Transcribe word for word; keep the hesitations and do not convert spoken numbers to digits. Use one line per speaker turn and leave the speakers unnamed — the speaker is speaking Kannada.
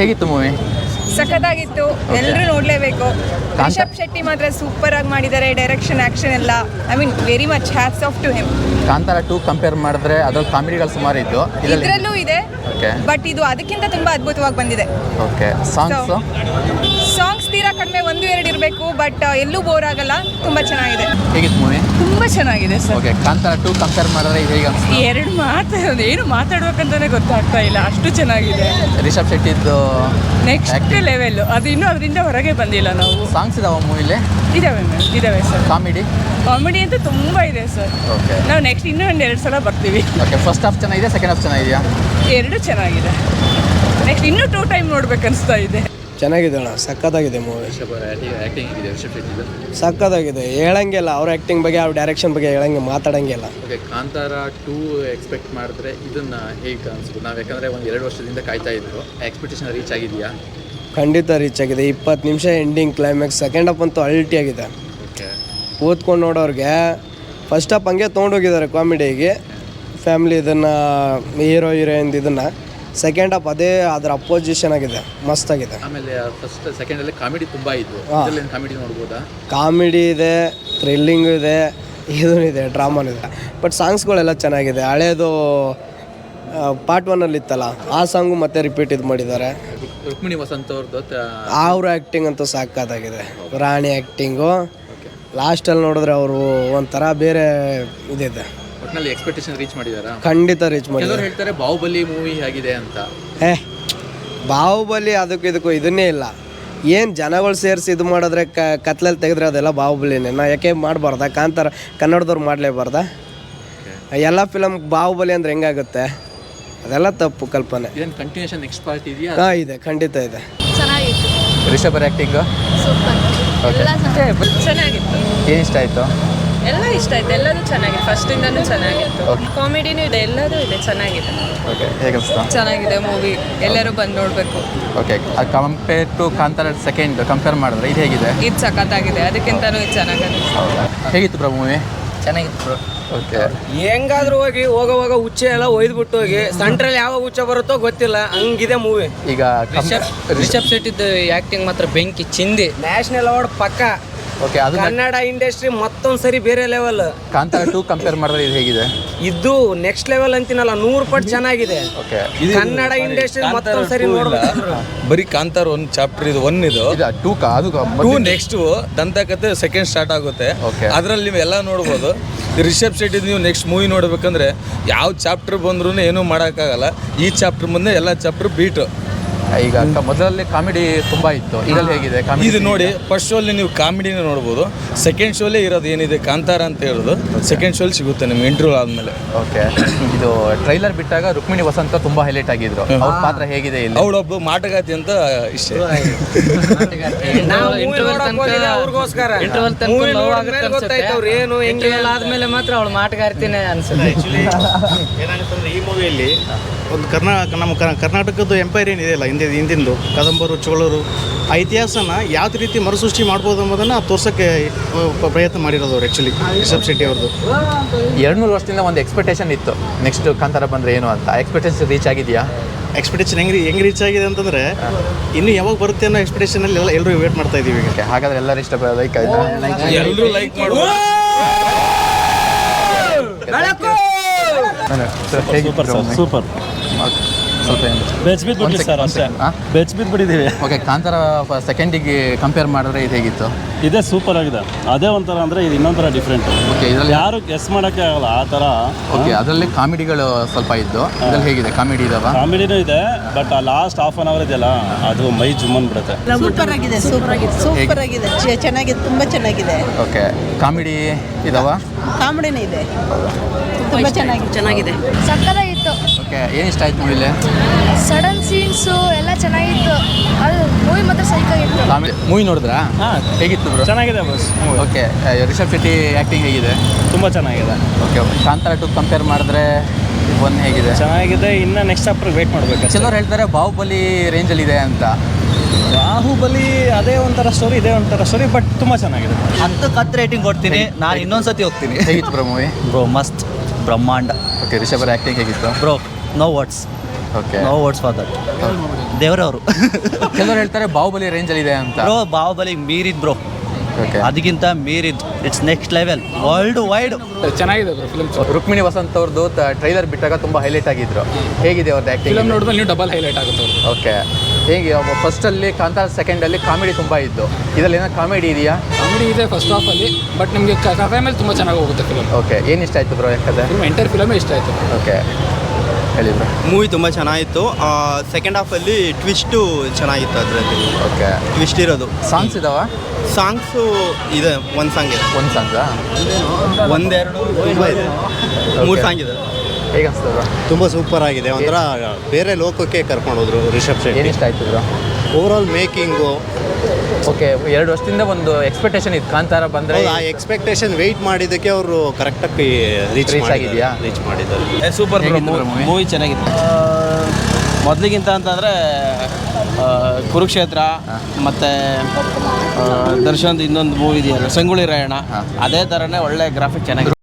ಹೇಗಿತ್ತು ಮೂವಿ?
ಸಖತ್ತಾಗಿತ್ತು, ಎಲ್ಲರೂ ನೋಡಲೇಬೇಕು. ರಿಷಬ್ ಶೆಟ್ಟಿ ಮಾತ್ರ ಸೂಪರ್ ಆಗಿ ಮಾಡಿದ್ದಾರೆ, ಡೈರೆಕ್ಷನ್ ಆಕ್ಷನ್ ಎಲ್ಲ. I mean very much hats off to him.
Kantara two compare ಮಾಡಿದ್ರೆ ಅದ್ರಲ್ಲಿ ಕಾಮಿಡಿಗಳು ಸುಮಾರು ಇದ್ದು,
ಇದರಲ್ಲೂ ಇದೆ, ಬಟ್ ಇದು ಅದಕ್ಕಿಂತ ತುಂಬಾ ಅದ್ಭುತವಾಗಿ ಬಂದಿದೆ.
ಓಕೆ, ಸಾಂಗ್ಸ್
ಸಾಂಗ್ಸ್ ತೀರಾ ಕಡಿಮೆ, ಒಂದು ಎರಡು ಇರಬೇಕು, ಬಟ್ ಎಲ್ಲೂ ಬೋರ್ ಆಗಲ್ಲ, ತುಂಬಾ ಚೆನ್ನಾಗಿದೆ.
ಹೇಗಿತ್ತು ಮೂವಿ?
ತುಂಬಾ ಚೆನ್ನಾಗಿದೆ sir.
Okay, Kantara two compare ಮಾಡಿದ್ರೆ ಇದು ಹೇಗೆ ಅನ್ಸುತ್ತೆ?
ಎರಡು ಮಾತಾಡೋದು ಏನು ಮಾತಾಡ್ಬೇಕಂತಾನೆ ಗೊತ್ತಾಗ್ತಾ ಇಲ್ಲ, ಅಷ್ಟು ಚೆನ್ನಾಗಿದೆ.
ರಿಷಬ್ ಶೆಟ್ಟಿದ್ದು
ನೆಕ್ಸ್ಟ್ ಲೆವೆಲ್, ಅದು ಇನ್ನೂ ಅದರಿಂದ ಹೊರಗೆ ಬಂದಿಲ್ಲ ನಾವು.
ಸಾಂಗ್ಸ್ ಇದಾವ ಮೂವಿಲಿ?
ಇದಾವೆ ಮ್ಯಾಮ್, ಇದಾವೆ ಸರ್.
ಕಾಮಿಡಿ
ಕಾಮಿಡಿ ಅಂತ ತುಂಬಾ ಇದೆ ಸರ್.
ಓಕೆ,
ನಾವು ನೆಕ್ಸ್ಟ್ ಇನ್ನೂ ಒಂದು ಎರಡು ಸಲ ಬರ್ತೀವಿ.
ಓಕೆ, ಫಸ್ಟ್ ಹಾಫ್ ಚೆನ್ನಾಗಿದೆ, ಸೆಕೆಂಡ್ ಹಾಫ್ ಚೆನ್ನಾಗಿದೆಯಾ?
ಎರಡು ಚೆನ್ನಾಗಿದೆ, ನೆಕ್ಸ್ಟ್ ಇನ್ನೂ ಟೂ ಟೈಮ್ ನೋಡ್ಬೇಕು ಅನಿಸ್ತಾ ಇದೆ.
ಚೆನ್ನಾಗಿದೆ ಅಣ್ಣ, ಸಕ್ಕತ್ತಾಗಿದೆ ಮೂವಿ.
ಆ್ಯಕ್ಟಿಂಗ್ ಹೇಗಿದೆ ರಿಷಬ್ ಶೆಟ್ಟಿದು?
ಸಕ್ಕತ್ತಾಗಿದೆ, ಹೇಳಂಗಿಲ್ಲ ಅವ್ರ ಆ್ಯಕ್ಟಿಂಗ್ ಬಗ್ಗೆ, ಅವ್ರ ಡೈರೆಕ್ಷನ್ ಬಗ್ಗೆ ಹೇಳಂಗೆ ಮಾತಾಡಂಗಿಲ್ಲ.
ಓಕೆ, ಕಾಂತಾರ ಟೂ ಎಕ್ಸ್ಪೆಕ್ಟ್ ಮಾಡಿದ್ರೆ ಇದನ್ನ ಹೇಗೆ ಅನ್ಸ್ಬೋದು? ನಾವು ಯಾಕಂದರೆ ಒಂದು ಎರಡು ವರ್ಷದಿಂದ ಕಾಯ್ತಾ ಇದ್ರು, ಎಕ್ಸ್ಪೆಕ್ಟೇಷನ್ ರೀಚ್ ಆಗಿದೆಯಾ?
ಖಂಡಿತ ರೀಚ್ ಆಗಿದೆ. ಇಪ್ಪತ್ತು ನಿಮಿಷ ಎಂಡಿಂಗ್ ಕ್ಲೈಮ್ಯಾಕ್ಸ್, ಸೆಕೆಂಡ್ ಹಾಫ್ ಅಂತೂ ಅಲ್ಟಿ ಆಗಿದೆ.
ಓಕೆ,
ಓದ್ಕೊಂಡು ನೋಡೋರಿಗೆ ಫಸ್ಟ್ ಹಾಫ್ ಹಂಗೆ ತೊಗೊಂಡೋಗಿದ್ದಾರೆ ಕಾಮಿಡಿಗೆ, ಫ್ಯಾಮಿಲಿ ಇದನ್ನು ಹೀರೋ ಹೀರೋಯಿನ್ ಇದನ್ನು. ಸೆಕೆಂಡ್ ಹಾಫ್ ಅದೇ ಅದರ ಅಪೋಸಿಷನ್ ಆಗಿದೆ, ಮಸ್ತಾಗಿದೆ.
ಆಮೇಲೆ ಫಸ್ಟ್ ಸೆಕೆಂಡಲ್ಲಿ ಕಾಮಿಡಿ ತುಂಬ ಇತ್ತು, ಕಾಮಿಡಿ ನೋಡ್ಬೋದಾ? ಕಾಮಿಡಿ
ಇದೆ, ಥ್ರಿಲ್ಲಿಂಗು ಇದೆ, ಇದೂ ಇದೆ, ಡ್ರಾಮಾನು ಇದೆ, ಬಟ್ ಸಾಂಗ್ಸ್ಗಳೆಲ್ಲ ಚೆನ್ನಾಗಿದೆ. ಹಳೇದು ಪಾರ್ಟ್ ಒನ್ನಲ್ಲಿ ಇತ್ತಲ್ಲ, ಆ ಸಾಂಗು ಮತ್ತೆ ರಿಪೀಟ್ ಇದು ಮಾಡಿದ್ದಾರೆ.
ರುಕ್ಮಿಣಿ ವಸಂತ್ ಅವ್ರದ್ದು
ಅವ್ರ ಆ್ಯಕ್ಟಿಂಗ್ ಅಂತೂ ಸಾಕಾದಾಗಿದೆ. ರಾಣಿ ಆ್ಯಕ್ಟಿಂಗು ಲಾಸ್ಟಲ್ಲಿ ನೋಡಿದ್ರೆ ಅವರು ಒಂಥರ ಬೇರೆ ಇದಿದೆ.
ಒಟ್ಟಿನಲ್ಲಿ ಎಕ್ಸ್ಪೆಕ್ಟೇಷನ್ ರೀಚ್ ಮಾಡಿದಾರಾ?
ಖಂಡಿತ ರೀಚ್ ಮಾಡಿದ್ದಾರೆ.
ಹೇಳ್ತಾರೆ ಬಾಹುಬಲಿ ಮೂವಿ ಆಗಿದೆ ಅಂತ.
ಏ ಬಾಹುಬಲಿ ಅದಕ್ಕೂ ಇದಕ್ಕೂ ಇದನ್ನೇ ಇಲ್ಲ. ಏನು ಜನಗಳು ಸೇರಿಸಿ ಇದು ಮಾಡಿದ್ರೆ ಕ ಕತ್ಲಲ್ಲಿ ತೆಗೆದ್ರೆ ಅದೆಲ್ಲ ಬಾಹುಬಲಿನೇ. ನಾ ಯಾಕೆ ಮಾಡಬಾರ್ದ? ಕಾಂತಾರ ಕನ್ನಡದವ್ರು ಮಾಡಲೇಬಾರ್ದ? ಎಲ್ಲ ಫಿಲಮ್ ಬಾಹುಬಲಿ ಅಂದ್ರೆ ಹೆಂಗಾಗುತ್ತೆ? ಅದೆಲ್ಲ ತಪ್ಪು ಕಲ್ಪನೆ.
ಏನು ಕಂಟಿನ್ಯೂಷನ್ ನೆಕ್ಸ್ಟ್ ಪಾರ್ಟ್ ಇದೆಯಾ?
ಹಾಂ ಇದೆ, ಖಂಡಿತ ಇದೆ.
ಚೆನ್ನಾಗಿತ್ತು.
Rishab acting
super.
ಚೆನ್ನಾಗಿತ್ತು.
ಏನು ಇಷ್ಟ ಆಯಿತು?
ಎಲ್ಲ ಇಷ್ಟ ಆಯ್ತು, ಎಲ್ಲದೂ ಚೆನ್ನಾಗಿದೆ, ಫಸ್ಟಿಂದನೂ ಚೆನ್ನಾಗಿತ್ತು. ಕಾಮಿಡಿನೂ ಇದೆ, ಎಲ್ಲದೂ ಇದೆ, ಚೆನ್ನಾಗಿದೆ.
ಓಕೆ, ಹೇಗೆ ಅನಿಸ್ತಾ?
ಚೆನ್ನಾಗಿದೆ ಮೂವಿ, ಎಲ್ಲರೂ ಬಂದು ನೋಡಬೇಕು.
Okay, compare to Kantara second compare ಮಾಡಿದ್ರೆ ಇದು ಹೇಗಿದೆ?
ಇದು ಸಖತ್ತಾಗಿದೆ, ಅದಕ್ಕಿಂತನೂ ಇದು ಚೆನ್ನಾಗಿದೆ.
ಹೌದಾ? ಹೇಗಿತ್ತು ಬ್ರೋ ಮೂವಿ?
ಚೆನ್ನಾಗಿತ್ತು ಬ್ರೋ.
ಓಕೆ,
ಹೆಂಗಾದ್ರೂ ಹೋಗಿ ಹೋಗೋವಾಗ ಹುಚ್ಚೆ ಎಲ್ಲ ಒಯ್ದುಬಿಟ್ಟು ಹೋಗಿ ಸೆಂಟ್ರಲ್ಲಿ ಯಾವ ಹುಚ್ಚ ಬರುತ್ತೋ ಗೊತ್ತಿಲ್ಲ, ಹಂಗಿದೆ ಮೂವಿ.
ಈಗ
ರಿಷಬ್ ಶೆಟ್ಟಿದ್ದು ಆ್ಯಕ್ಟಿಂಗ್ ಮಾತ್ರ ಬೆಂಕಿ ಚಿಂದಿ.
ನ್ಯಾಷನಲ್ ಅವಾರ್ಡ್ ಪಕ್ಕ.
ಓಕೆ, ಅದು
ಕನ್ನಡ ಇಂಡಸ್ಟ್ರಿ ಮತ್ತೊಂದು ಸರಿ ಬೇರೆ ಲೆವೆಲ್.
ಕಾಂತಾರ ಟೂ ಕಂಪೇರ್ ಮಾಡಿದ್ರೆ ಇದು ಹೇಗಿದೆ?
ಇದು ನೆಕ್ಸ್ಟ್ ಲೆವೆಲ್ ಅಂತೀನಲ್ಲ, ನೂರು ಪಟ್ಟು ಚೆನ್ನಾಗಿದೆ.
ಓಕೆ,
ಕನ್ನಡ ಇಂಡಸ್ಟ್ರಿ ಮತ್ತೊಂದು ಸರಿ ನೋಡ್ಬೇಕು.
ಬರೀ ಕಾಂತಾರ ಒಂದು ಚಾಪ್ಟರ್ ಇದು ಒನ್ ಇದು
ಟೂ ಕಾ ಅದು
ಟೂ ನೆಕ್ಸ್ಟ್ ದಂತಕತೆ ಸೆಕೆಂಡ್ ಸ್ಟಾರ್ಟ್ ಆಗುತ್ತೆ. ಅದ್ರಲ್ಲಿ ನೀವು ಎಲ್ಲ ನೋಡ್ಬೋದು. ರಿಷಬ್ ಶೆಟ್ಟಿ ನೀವು ನೆಕ್ಸ್ಟ್ ಮೂವಿ ನೋಡ್ಬೇಕಂದ್ರೆ ಯಾವ ಚಾಪ್ಟರ್ ಬಂದ್ರೂ ಏನೂ ಮಾಡೋಕ್ಕಾಗಲ್ಲ. ಈ ಚಾಪ್ಟರ್ ಮುಂದೆ ಎಲ್ಲ ಚಾಪ್ಟರ್ ಬೀಟು.
ಈಗ ಮೊದಲಲ್ಲಿ ಕಾಮಿಡಿ ತುಂಬ ಇತ್ತು, ಇದರಲ್ಲಿ ಹೇಗಿದೆ ಕಾಮಿಡಿ?
ಇದು ನೋಡಿ, ಫಸ್ಟ್ ಶೋಲ್ಲಿ ನೀವು ಕಾಮಿಡಿನ ನೋಡ್ಬೋದು, ಸೆಕೆಂಡ್ ಶೋಲ್ಲೇ ಇರೋದು ಏನಿದೆ ಕಾಂತಾರ ಅಂತ ಹೇಳೋದು ಸೆಕೆಂಡ್ ಶೋಲ್ಲಿ ಸಿಗುತ್ತೆ ನಿಮ್ಗೆ ಇಂಟರ್ವ್ಯೂ ಆದಮೇಲೆ.
ಓಕೆ, ಇದು ಟ್ರೈಲರ್ ಬಿಟ್ಟಾಗ ರುಕ್ಮಿಣಿ ವಸಂತ ತುಂಬ ಹೈಲೈಟ್ ಆಗಿದ್ರು, ಅವ್ರ ಪಾತ್ರ ಹೇಗಿದೆ ಇಲ್ಲಿ?
ಅವಳೊಬ್ಬ ಮಾಟಗಾತಿ ಅಂತ ಇಷ್ಟ.
ಏನು
ಇಂಟರ್ವಲ್ ಆದ್ಮೇಲೆ ಮಾತ್ರ ಅವಳು ಮಾಟಗಾರ್ತಿನೇ ಅನ್ಸುತ್ತೆ.
ಏನಾಗುತ್ತಂದ್ರೆ ಈ ಮೂವಿಯಲ್ಲಿ ಒಂದು ಕರ್ನಾ ನಮ್ಮ ಕರ್ನಾಟಕದ್ದು ಎಂಪೈರ್ ಏನಿದೆಯಲ್ಲ, ಹಿಂದೆ ಹಿಂದಿಂದು ಕದಂಬರು ಚೋಳರು, ಆ ಇತಿಹಾಸನ ಯಾವ ರೀತಿ ಮರುಸೃಷ್ಟಿ ಮಾಡ್ಬೋದು ಅನ್ನೋದನ್ನು ತೋರ್ಸೋಕ್ಕೆ ಪ್ರಯತ್ನ ಮಾಡಿರೋದು ಅವ್ರು ಆ್ಯಕ್ಚುಲಿ ರಿಷಬ್ ಶೆಟ್ಟಿ ಅವ್ರದ್ದು.
ಎರಡು ಮೂರು ವರ್ಷದಿಂದ ಒಂದು ಎಕ್ಸ್ಪೆಕ್ಟೇಷನ್ ಇತ್ತು ನೆಕ್ಸ್ಟ್ ಕಾಂತಾರ ಬಂದರೆ ಏನು ಅಂತ. ಎಕ್ಸ್ಪೆಕ್ಟೇಷನ್ ರೀಚ್ ಆಗಿದೆಯಾ?
ಎಕ್ಸ್ಪೆಕ್ಟೇಷನ್ ಹೆಂಗೆ ಹೆಂಗೆ ರೀಚ್ ಆಗಿದೆ ಅಂತಂದರೆ ಇನ್ನು ಯಾವಾಗ ಬರುತ್ತೆ ಅನ್ನೋ ಎಕ್ಸ್ಪೆಕ್ಟೇಷನಲ್ಲಿ ಎಲ್ಲ ಎಲ್ಲರೂ ವೇಟ್ ಮಾಡ್ತಾ ಇದ್ದೀವಿ.
ಈಗ ಹಾಗಾದ್ರೆ ಎಲ್ಲರೂ ಇಷ್ಟ ಲೈಕ್
ಎಲ್ಲರೂ ಲೈಕ್ ಮಾಡ್ಬೋದು.
ಸೂಪರ್
ಸ್ವಲ್ಪ
ಬೆಚ್ ಬಿದ್ದು ಬಿಡಿ ಸರ್, ಅಷ್ಟೇ ಬೆಚ್ ಬಿದ್ದು ಬಿಟ್ಟಿದ್ದೀವಿ.
ಓಕೆ, ಕಾಂತಾರ ಸೆಕೆಂಡಿಗೆ ಕಂಪೇರ್ ಮಾಡಿದ್ರೆ ಇದು ಹೇಗಿತ್ತು?
ಇದೇ ಸೂಪರ್ ಆಗಿದೆ, ಅದೇ ಒಂಥರ ಅಂದರೆ ಇದು ಇನ್ನೊಂಥರ ಡಿಫ್ರೆಂಟ್.
ಓಕೆ, ಇದರಲ್ಲಿ
ಯಾರು ಗೆಸ್ ಮಾಡೋಕ್ಕೆ ಆಗಲ್ಲ ಆ ಥರ.
ಓಕೆ, ಅದರಲ್ಲಿ ಕಾಮಿಡಿಗಳು ಸ್ವಲ್ಪ ಇದ್ದು, ಇದರಲ್ಲಿ ಹೇಗಿದೆ ಕಾಮಿಡಿ ಇದಾವ?
ಕಾಮಿಡಿನೂ ಇದೆ, ಬಟ್ ಆ ಲಾಸ್ಟ್ ಹಾಫ್ ಆನ್ ಅವರ್ ಇದೆಯಲ್ಲ ಅದು ಮೈ ಜುಮ್ಮನ್ ಬಿಡುತ್ತೆ.
ಸೂಪರ್ ಆಗಿದೆ, ಸೂಪರ್ ಆಗಿದೆ, ಸೂಪರ್ ಆಗಿದೆ, ಚೆನ್ನಾಗಿದೆ, ತುಂಬ ಚೆನ್ನಾಗಿದೆ.
ಓಕೆ, ಕಾಮಿಡಿ ಇದಾವ?
ಕಾಮಿಡಿನೇ ಇದೆ, ತುಂಬ ಚೆನ್ನಾಗಿದೆ, ಚೆನ್ನಾಗಿದೆ,
ಸಕ್ಕತ್ತಾಗಿತ್ತು.
ಓಕೆ, ಏನು ಇಷ್ಟ ಆಯ್ತು ಮೂವಿಲಿ?
ಸಡನ್ ಸೀನ್ಸು ಎಲ್ಲ ಚೆನ್ನಾಗಿತ್ತು, ಅದು ಮೂವಿ ಮಾತ್ರ ಸೈಕಾಗಿತ್ತು.
ಕಾಮಿಡಿ ಮೂವಿ ನೋಡಿದ್ರಾ?
ಹಾಂ,
ಹೇಗಿತ್ತು ಬ್ರೋ?
ಚೆನ್ನಾಗಿದೆ ಬಸ್.
ಓಕೆ, ರಿಷಬ್ ಶೆಟ್ಟಿ ಆ್ಯಕ್ಟಿಂಗ್ ಹೇಗಿದೆ?
ತುಂಬ ಚೆನ್ನಾಗಿದೆ.
ಓಕೆ, ಕಾಂತಾರ ಟು ಕಂಪೇರ್ ಮಾಡಿದ್ರೆ ಒನ್ ಹೇಗಿದೆ?
ಚೆನ್ನಾಗಿದೆ, ಇನ್ನು ನೆಕ್ಸ್ಟ್ ಚಾಪ್ಟರ್ ವೇಟ್ ಮಾಡಬೇಕು.
ಕೆಲವರು ಹೇಳ್ತಾರೆ ಬಾಹುಬಲಿ ರೇಂಜಲ್ಲಿ ಇದೆ ಅಂತ.
ಬಾಹುಬಲಿ ಅದೇ ಒಂಥರ ಸ್ಟೋರಿ, ಇದೇ ಒಂಥರ ಸ್ಟೋರಿ, ಬಟ್ ತುಂಬ ಚೆನ್ನಾಗಿದೆ.
ಹತ್ತು ಕತ್ ರೇಟಿಂಗ್ ಕೊಡ್ತೀನಿ ನಾನು, ಇನ್ನೊಂದ್ಸತಿ ಹೋಗ್ತೀನಿ.
ಹೇಗಿತ್ತು ಬ್ರೋ ಮೂವಿ?
ಬ್ರೋ ಮಸ್ತ್, ಬ್ರಹ್ಮಾಂಡ.
ಓಕೆ, ರಿಷಬ್ ಆ್ಯಕ್ಟಿಂಗ್ ಹೇಗಿತ್ತು?
Bro no words,
okay,
no words for that.
ದೇವರವರು.
ಕೆಲವರು ಹೇಳ್ತಾರೆ ಬಾಹುಬಲಿ ರೇಂಜಲ್ಲಿ ಇದೆ ಅಂತ.
ಬ್ರೋ ಬಾಹುಬಲಿ ಮೀರಿದ್ ಬ್ರೋ, ಅದಕ್ಕಿಂತ ಮೀರಿದ್ it's next level world wide.
ಚೆನ್ನಾಗಿದೆ ಫಿಲ್ಮ್. ರುಕ್ಮಿಣಿ ವಸಂತ್ ಅವ್ರದ್ದು ಟ್ರೈಲರ್ ಬಿಟ್ಟಾಗ ತುಂಬ ಹೈಲೈಟ್ ಆಗಿದ್ರು. ಹೇಗಿದೆ ಅವ್ರದ್ದು ಆ್ಯಕ್ಟಿಂಗ್? ಫಿಲ್ಮ್ ನೋಡಿದ್ರೆ ನೀವು ಡಬಲ್ ಹೈಲೈಟ್ ಆಗುತ್ತೆ. ಓಕೆ, ಹೇಗೆ ಫಸ್ಟಲ್ಲಿ ಕಾಂತಾರ ಸೆಕೆಂಡಲ್ಲಿ ಕಾಮಿಡಿ ತುಂಬ ಇದ್ದು, ಇದರಲ್ಲಿ ಏನೋ ಕಾಮಿಡಿ ಇದೆಯಾ?
ಕಾಮಿಡಿ ಇದೆ ಫಸ್ಟ್ ಹಾಫಲ್ಲಿ, ಬಟ್ ನಿಮಗೆ ಕಥೆ ಮೇಲೆ ತುಂಬ ಚೆನ್ನಾಗಿ ಹೋಗುತ್ತೆ ಫಿಲ್ಮ್.
ಓಕೆ, ಏನು ಇಷ್ಟ ಆಯಿತು ಬ್ರೋ ಯಾಕಂದರೆ?
ಫಿಲ್ಮ್ ಎಂಟರ್ ಫಿಲಮೇ ಇಷ್ಟ ಆಯಿತು.
ಓಕೆ, ಹೇಳಿ ಬ್ರೋ.
ಮೂವಿ ತುಂಬ ಚೆನ್ನಾಗಿತ್ತು. ಸೆಕೆಂಡ್ ಹಾಫಲ್ಲಿ ಟ್ವಿಸ್ಟು ಚೆನ್ನಾಗಿತ್ತು. ಅದರಲ್ಲಿ
ಓಕೆ,
ಟ್ವಿಸ್ಟ್ ಇರೋದು.
ಸಾಂಗ್ಸ್ ಇದಾವ?
ಸಾಂಗ್ಸು ಇದೆ, ಒಂದು ಸಾಂಗ್ ಇದೆ.
ಒಂದು ಸಾಂಗಾ?
ಒಂದೆರಡು ತುಂಬ ಇದೆ, ಮೂರು ಸಾಂಗ್ ಇದೆ.
ಹೇಗೆ ಅನಿಸ್ತದೆ ಬ್ರೋ?
ತುಂಬ ಸೂಪರ್ ಆಗಿದೆ. ಒಂಥರ ಬೇರೆ ಲೋಕಕ್ಕೆ ಕರ್ಕೊಂಡೋದ್ರು ರಿಷಬ್ ಶೆಟ್ಟಿ.
ಏನು ಇಷ್ಟ ಆಯಿತು ಬ್ರೋ?
Overall making.
ಓಕೆ, ಎರಡು ವರ್ಷದಿಂದ ಒಂದು ಎಕ್ಸ್ಪೆಕ್ಟೇಷನ್ ಇತ್ತು ಕಾಂತಾರ ಬಂದರೆ.
ಆ ಎಕ್ಸ್ಪೆಕ್ಟೇಷನ್ ವೆಯ್ಟ್ ಮಾಡಿದ್ದಕ್ಕೆ ಅವರು ಕರೆಕ್ಟಾಗಿ ರೀಚ್
Reach ಆಗಿದೆಯಾ?
ರೀಚ್ ಮಾಡಿದ್ದಾರೆ.
ಸೂಪರ್ ಮೂವಿ ಚೆನ್ನಾಗಿತ್ತು. ಮೊದಲಿಗಿಂತ ಅಂತಂದರೆ ಕುರುಕ್ಷೇತ್ರ ಮತ್ತು ದರ್ಶನ್ದು ಇನ್ನೊಂದು ಮೂವಿ ಇದೆಯಲ್ಲ ಸಂಗೊಳ್ಳಿ ರಾಯಣ್ಣ, ಅದೇ ಥರನೇ ಒಳ್ಳೆ ಗ್ರಾಫಿಕ್ ಚೆನ್ನಾಗಿದೆ.